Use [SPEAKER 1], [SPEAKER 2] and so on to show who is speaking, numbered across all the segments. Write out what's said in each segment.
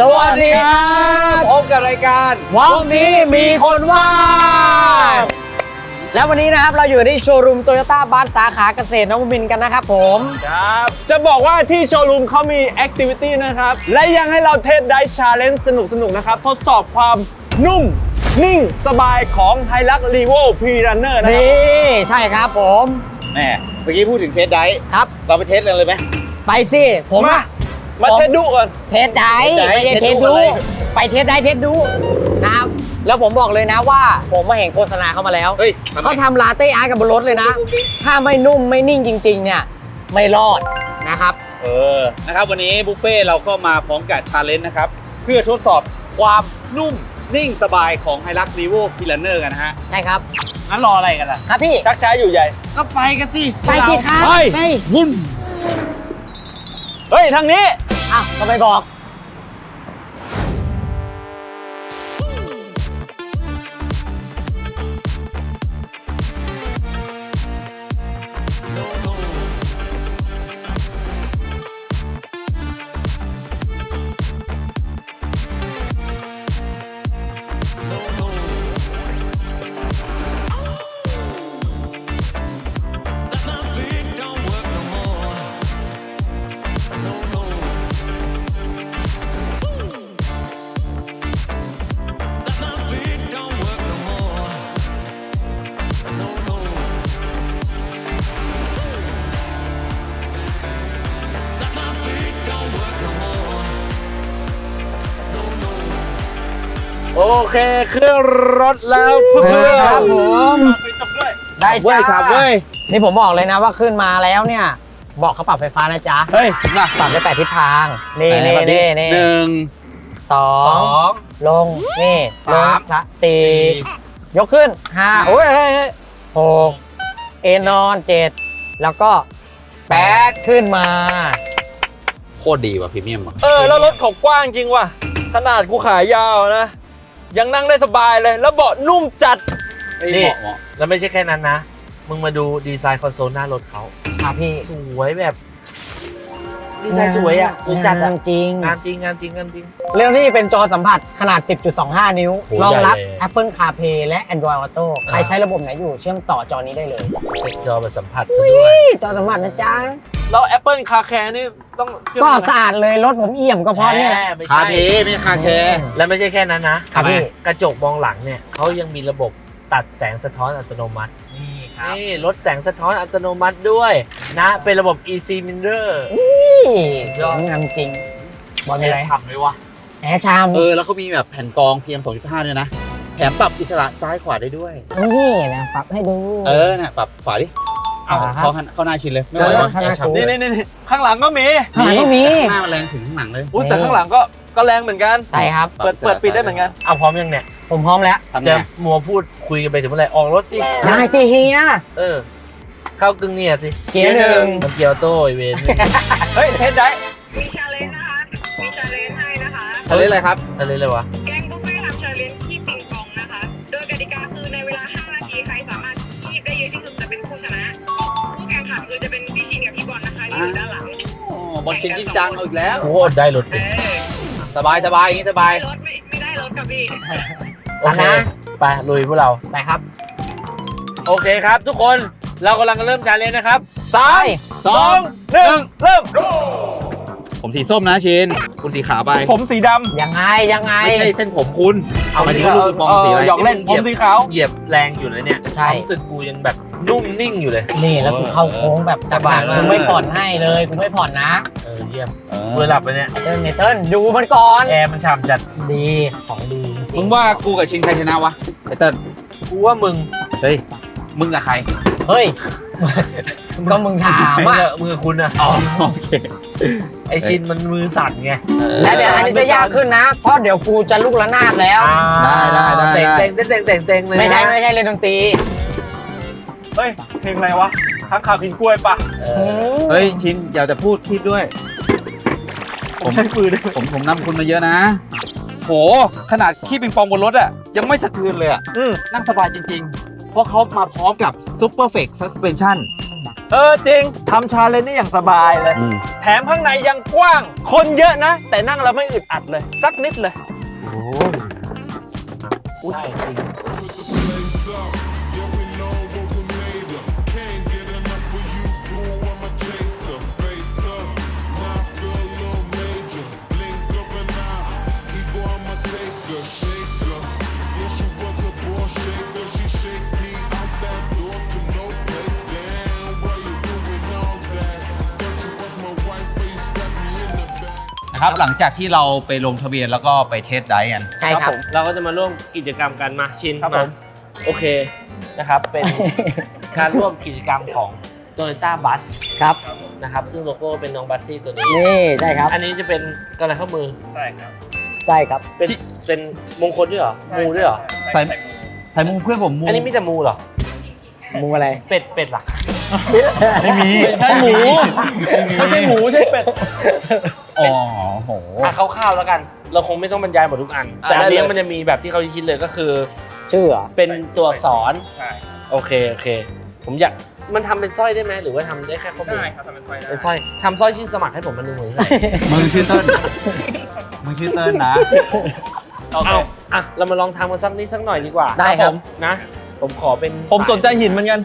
[SPEAKER 1] สวัสดีครับพบกับรายการ
[SPEAKER 2] วันนี้มีคนว่างแล้ววันนี้นะครับเราอยู่ที่โชว์รูมโตโยต้าบัสสาขาเกษตรนวมินทร์กันนะครับผม
[SPEAKER 1] ครับจะบอกว่าที่โชว์รูมเขามีแอคทิวิตี้นะครับและยังให้เราเทสไดชาเลนจ์สนุกๆนะครับทดสอบความนุ่มนิ่งสบายของ Hilux Revo Pre-Runner นะครับ
[SPEAKER 2] นี่ใช่ครับผม
[SPEAKER 3] แม่เมื่อกี้พูดถึงเทสไดฟ์
[SPEAKER 2] ครับ
[SPEAKER 3] เราไปเทสกันเลยไหม
[SPEAKER 2] ไปสิผมอะ
[SPEAKER 1] มาเทสดูก่อน
[SPEAKER 2] เทสได้
[SPEAKER 3] เทสได้
[SPEAKER 2] ไม่ใช่เทส
[SPEAKER 3] เทสดู
[SPEAKER 2] ดู
[SPEAKER 3] อะไร
[SPEAKER 2] ไปเทสได้เทสดูนะครับแล้วผมบอกเลยนะว่าผมมาเห็นโฆษณาเข้ามาแล้ว
[SPEAKER 3] เฮ้ย
[SPEAKER 2] เขาทำลาเต้อาร์ตกับบนรถเลยนะ ถ้าไม่นุ่มไม่นิ่งจริงๆเนี่ยไม่รอดนะครับ
[SPEAKER 3] นะครับวันนี้บุฟเฟ่เราก็มาพร้อมกับชาเลนจ์นะครับเพื่อทดสอบความนุ่มนิ่งสบายของ Hilux Revo Pre-Runner กันนะฮะ
[SPEAKER 2] ใช่ครับ
[SPEAKER 1] งั้นรออะไรกันล่ะ
[SPEAKER 2] ครับพี่
[SPEAKER 1] ชักช้าอยู่ใหญ่
[SPEAKER 2] ก็ไปกันสิไปสิครับ
[SPEAKER 3] ไปวุ่น
[SPEAKER 1] เฮ้ยทางนี้
[SPEAKER 2] อ้าวก็ไม่บอก
[SPEAKER 1] โอเคเครื่องรถแล้วเพื่อน
[SPEAKER 2] ครับผม
[SPEAKER 1] ไปจบด้วย
[SPEAKER 2] ได้
[SPEAKER 3] เว้ย
[SPEAKER 2] จ้า
[SPEAKER 3] ฉาบเว้ย
[SPEAKER 2] นี่ผมบอกเลยนะว่าขึ้นมาแล้วเนี่ยบอกเขาปรับไฟฟ้านะจ๊ะ
[SPEAKER 1] เฮ้ยมา
[SPEAKER 2] ปรับได้8ทิศทางนี่
[SPEAKER 3] ไหน
[SPEAKER 2] นี่
[SPEAKER 3] แบบ
[SPEAKER 2] นี่นี่
[SPEAKER 3] หนึ่ง
[SPEAKER 2] สอ
[SPEAKER 1] สอง ง
[SPEAKER 2] ลงนี่ลงละสี่ยกขึ้นห้าโอ้ยเฮ้ยเฮ้ยหกเอนอนเจ็ดแล้วก็แปดขึ้นมา
[SPEAKER 3] โคตรดีว่ะพรีเมียมว่ะ
[SPEAKER 1] แล้วรถเขากว้างจริงว่ะขนาดกูขายาวนะยังนั่งได้สบายเลยแล้วเบาะนุ่มจัด
[SPEAKER 3] เฮ้ย
[SPEAKER 4] นี่
[SPEAKER 3] เหมาะ
[SPEAKER 4] แล้วไม่ใช่แค่นั้นนะ มึงมาดูดีไซน์คอนโซลหน้ารถเขา
[SPEAKER 2] ครับพี่
[SPEAKER 4] สวยแบบ ดีไซน์สวยอ่ะสวยจัด
[SPEAKER 2] งา
[SPEAKER 4] อ่ะ
[SPEAKER 2] มจริง
[SPEAKER 4] งามจริงงามจริงงามจริง
[SPEAKER 2] เรื่องนี้เป็นจอสัมผัสขนาด 10.25 นิ้ว
[SPEAKER 4] โอ้
[SPEAKER 2] รองรับ
[SPEAKER 4] ใหญ่เลย
[SPEAKER 2] Apple CarPlay และ Android Auto ใครใช้ระบบไหนอยู่เชื่อมต่อจอนี้ได้เลย
[SPEAKER 4] เป็นจอแบบสัมผัสซะด้วย
[SPEAKER 2] จอสัมผัสนะจ๊ะ
[SPEAKER 1] แล้ว Apple Car Care นี่ต้องเชื่อม
[SPEAKER 2] ก็
[SPEAKER 1] ไหม
[SPEAKER 2] สะอาดเลยรถผมเอี่ยมก็เพราะเนี่ยแหละ
[SPEAKER 4] ไม่
[SPEAKER 3] คา
[SPEAKER 4] ใช่
[SPEAKER 3] เพไม่ใช่คาแคร์
[SPEAKER 4] แล้วไม่ใช่แค่นั้นนะ
[SPEAKER 2] ครับพี่
[SPEAKER 4] กระจกมองหลังเนี่ยเขายังมีระบบตัดแสงสะท้อนอัตโนมัติ นี่ลดแสงสะท้อนอัตโนมัติด้วยนะ เป็นระบบ Easy Mirror
[SPEAKER 2] ยอดงามจริงบอลมีอะไร
[SPEAKER 4] ทำไหมวะ
[SPEAKER 2] แอร์ชาม
[SPEAKER 3] แล้วเขามีแบบแผ่นกรอง PM 2.5ด้วยนะแถมปรับอิสระซ้ายขวาได้ด้วย
[SPEAKER 2] นี่นะปรับให้ดู
[SPEAKER 3] เนี่ยปรับขวาดิ
[SPEAKER 2] เอาละครับ
[SPEAKER 3] เข้าหน้าชินเลยไม่ไหว
[SPEAKER 2] เจอ
[SPEAKER 3] วะ
[SPEAKER 2] ข้างหน้า
[SPEAKER 3] แอร์ฉับ
[SPEAKER 2] กู
[SPEAKER 1] นี่ข้างหลังก็มี
[SPEAKER 2] ข้างหลังก็มี
[SPEAKER 3] ข้างหน้ามันแรงถึงข้างหลังเลย
[SPEAKER 1] อุ้ยแต่ข้างหลังก็แรงเหมือนกัน
[SPEAKER 2] ใช่ครับ
[SPEAKER 1] เปิดปิดได้เหมือนกัน
[SPEAKER 4] เอาพร้อมยังเนี่ย
[SPEAKER 2] ผมพร้อมแล้ว
[SPEAKER 3] ทำไง
[SPEAKER 4] จะมัวพูดคุยกันไปถึงเมื่อไหร่ออกรถสิ
[SPEAKER 2] ได้ที่เฮีย
[SPEAKER 4] เข้ากึ่งเนี่ยสิ
[SPEAKER 2] เกียร์หนึ่ง
[SPEAKER 4] มันเกียวโต้ไอเวน
[SPEAKER 1] เฮ้ยเทสได้
[SPEAKER 5] มีชาเลนจ์นะคะ มีชาเลนจ์ให้นะคะ
[SPEAKER 3] เขาเรียกอะไรครับ
[SPEAKER 4] อะไรเลยวะ
[SPEAKER 5] แกงบุฟเฟ่ต์ทำชาเลนจ์ที่ปิงปองนะคะ โดยกติกาคือในเวลา 5 นาที ใครสามารถคีบได้เยอะที่สุดจะเป็นผู้ชนะ ผู้แข่งขันคือจะเป็นพี่ชินกับพี่บอลนะคะที่อยู่ด้านหลัง
[SPEAKER 3] บอลชินจริงจังเอาอีกแล้ว
[SPEAKER 4] โคตรได้รถ
[SPEAKER 5] เอ
[SPEAKER 4] ดิ
[SPEAKER 5] อ
[SPEAKER 3] สบายอย่างนี้สบาย
[SPEAKER 5] ได้รถไม่ได้รถกับพี่
[SPEAKER 4] โอเคไปลุยพวกเรา
[SPEAKER 2] ไปครับ
[SPEAKER 4] โอเคครับทุกคนเรากำลังเริ่มชาเลนจ์นะครับ
[SPEAKER 1] สาม
[SPEAKER 3] สอง
[SPEAKER 1] หนึ่งเริ่ม
[SPEAKER 3] ผมสีส้มนะชินคุณสีขาวไป
[SPEAKER 1] ผมสีด
[SPEAKER 2] ยังไงยังไง
[SPEAKER 3] ไม่ใช่เส้นผมคุณ
[SPEAKER 4] เอา
[SPEAKER 3] หมาย
[SPEAKER 4] จ
[SPEAKER 3] ถึ
[SPEAKER 4] ริ
[SPEAKER 3] ง
[SPEAKER 4] ง
[SPEAKER 3] ว่าลูกปิงปองสีอะไร
[SPEAKER 1] หยอกเล่นผมสีขาว
[SPEAKER 4] เหยียบแรงอยู่เลยเนี่ย
[SPEAKER 2] ใช่
[SPEAKER 4] ความรู้สึกกูยังแบบนุ่มนิ่งอยู่เลย
[SPEAKER 2] นี่แล้วกูเข้าโค้งแบบ
[SPEAKER 4] สบายมาก
[SPEAKER 2] กูไม่ผ่อนให้เลยกูไม่ผ่อนนะ
[SPEAKER 4] เยี่ยมเมื่อหลับไปเนี่ย
[SPEAKER 2] เติ้ลเนเติ้ลดูมันก่อน
[SPEAKER 4] แอร์มันฉ่ำจัด
[SPEAKER 2] ดีของดีจริ
[SPEAKER 3] มึงว่ากูกับชินใครชนะวะไอเติ้ล
[SPEAKER 4] กูว่ามึง
[SPEAKER 3] เฮ้ยมึงกับใคร
[SPEAKER 2] เฮ้ย ก็มึงถามอ่ะ
[SPEAKER 4] มึงกับคุณอะ
[SPEAKER 3] โอเค
[SPEAKER 4] ไอชินมันมือสั่นไง
[SPEAKER 2] แล้วเดี๋ยวอันนี้จะยากขึ้นนะ เพราะเดี๋ยวกูจะลุกระนาดแล้ว
[SPEAKER 4] เต็งเลย
[SPEAKER 2] ไม่ใช่เล่นดนตรี
[SPEAKER 1] เฮ้ยเพลงอะไรวะข้างข่าวกินกล้วยปะ
[SPEAKER 3] เฮ้ยชินอย่าจะพูดคีบด้วย
[SPEAKER 1] ผมใช้ปืนด้วย
[SPEAKER 3] ผมนำคุณมาเยอะนะ โหขนาดขี้ปิงปองบนรถอะยังไม่สะเทือนเลยอะนั่งสบายจริงๆ เพราะเขามาพร้อมกับ Super Flex Suspension
[SPEAKER 1] จริงทำชาเลนจ์นี่อย่างสบายเลย แถมข้างในยังกว้าง คนเยอะนะ แต่นั่งแล้วไม่อึดอัดเลย สักนิดเลย
[SPEAKER 4] ได้จริง
[SPEAKER 3] นะครับหลังจากที่เราไปลงทะเบียนแล้วก็ไปเทสไดฟ์กัน
[SPEAKER 2] ใช่ครับ
[SPEAKER 4] เราก็จะมาร่วมกิจกรรมกันมาชิน
[SPEAKER 1] ครับผม
[SPEAKER 4] โอเคนะครับ เป็น การร่วมกิจกรรมของ Toyota Bus
[SPEAKER 2] ครับ
[SPEAKER 4] นะครับซึ่งโลโก้เป็นน้องบัสซี่ตัวนี้
[SPEAKER 2] นี่ใช่ครับ
[SPEAKER 4] อันนี้จะเป็นกำไรข้อมือ
[SPEAKER 1] ใช่ครับ
[SPEAKER 2] ใช่ครับ
[SPEAKER 4] เป็นมงคลด้วยเหรอ มูด้วยเหรอ
[SPEAKER 3] ใส่มูเพื่อนผมมู
[SPEAKER 4] อันนี้มีแต่มูเหรอ
[SPEAKER 2] มูอะไร
[SPEAKER 4] เป็ดหรอ
[SPEAKER 3] ไม่มี
[SPEAKER 1] ไม่ใช่หมู ไม่ใช่หมูใช่เป็ด
[SPEAKER 3] อ๋อโห
[SPEAKER 4] คร่าวๆแล้วกัน เราคงไม่ต้องบรรยายหมดทุกอัน แต่อัน
[SPEAKER 1] ได้
[SPEAKER 4] นี้
[SPEAKER 1] เลย
[SPEAKER 4] มันจะมีแบบที่เขาคิดเลยก็คือ
[SPEAKER 2] ชื่อเหรอ
[SPEAKER 4] เป็นตัวอักษร
[SPEAKER 1] ใช่
[SPEAKER 4] โอเค ผมอยาก มันทำเป็นสร้อยได้ไหมหรือว่าทำได้แค่ข้อมือ
[SPEAKER 1] ได้ครับทำเป็นไฟได้
[SPEAKER 4] เป็นสร้อยทำสร้อยชื่อสมัครให้ผมมาหนึ่งหมื่น
[SPEAKER 3] มึงชื่อเติ้ลมึงชื่อเติ้ลนะ
[SPEAKER 1] โอเค
[SPEAKER 4] เอาอ่ะ เรามาลองทำกันสักนิดสักหน่อยดีกว่า
[SPEAKER 2] ได้ครับ
[SPEAKER 4] นะ ผมขอเป็น
[SPEAKER 1] ผมสนใจหินเหมือนกัน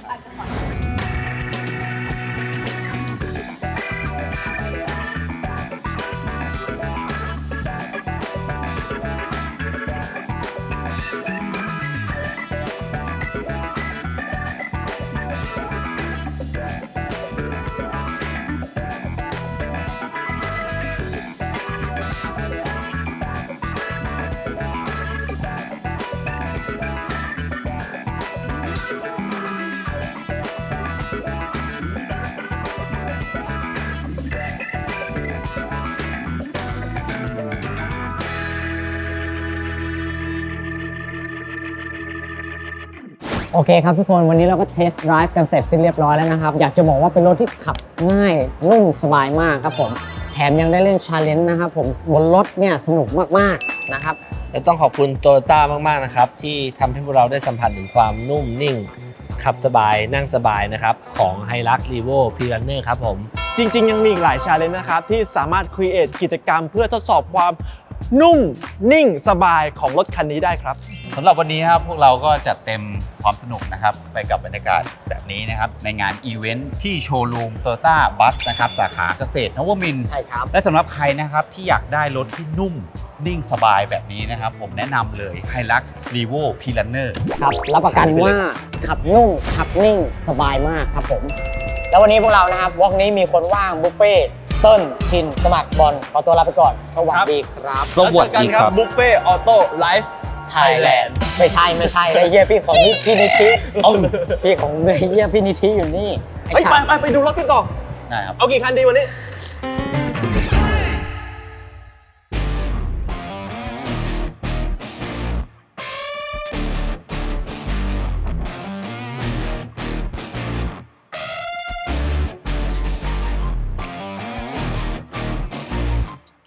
[SPEAKER 2] โอเคครับทุกคนวันนี้เราก็เทสต์ไดรฟ์กันเสร็จที่เรียบร้อยแล้วนะครับ อยากจะบอกว่าเป็นรถที่ขับง่ายนุ่มสบายมากครับผมแถมยังได้เล่นชาเลนจ์นะครับผมบนรถเนี่ยสนุกมากๆนะครับ
[SPEAKER 4] และต้องขอบคุณโตโยต้ามากๆนะครับที่ทำให้พวกเราได้สัมผัสถึงความนุ่มนิ่ง ขับสบายนั่งสบายนะครับของ Hilux Revo P-Runner ครับผม
[SPEAKER 1] จริง ๆ ยังมีอีกหลายชาเลนจ์นะครับ ที่สามารถครีเอทกิจกรรมเพื่อทดสอบความนุ่มนิ่งสบายของรถคันนี้ได้ครับ
[SPEAKER 3] สำหรับวันนี้ครับพวกเราก็จัดเต็มความสนุกนะครับไปกับบรรยากาศแบบนี้นะครับในงานอีเวนท์ที่โชว์รูม Toyota Bus นะครับสาขาเกษตรนวมินทร์
[SPEAKER 2] ใช่ครับ
[SPEAKER 3] และสำหรับใครนะครับที่อยากได้รถที่นุ่มนิ่งสบายแบบนี้นะครับผมแนะนำเลย Hilux Revo P-Runner
[SPEAKER 2] ครับรับประกันว่าขับนุ่มขับนิ่งสบายมากครับผม แล้ววันนี้พวกเรานะครับวอล์กนี้มีคนว่างบุฟเฟ่ต์เติ้ลชินสมัครบอลขอตัวลาไปก่อน สวัสดีครับ
[SPEAKER 3] สวัสดีครับ
[SPEAKER 1] บุฟเฟ่ออโต้ไลฟ์ไทยแลนด์
[SPEAKER 2] ไม่ใช่ไอ้เหี้ยพี่ของพี่นิธิพี่ของไอ้เหี้ยพี่นิธิอยู่นี่ไอ้
[SPEAKER 1] เฮ้ย
[SPEAKER 2] ฉัน
[SPEAKER 1] ไปดูรถกันต่อ
[SPEAKER 3] ได้ครับ
[SPEAKER 1] เอากี่คันดีวันนี้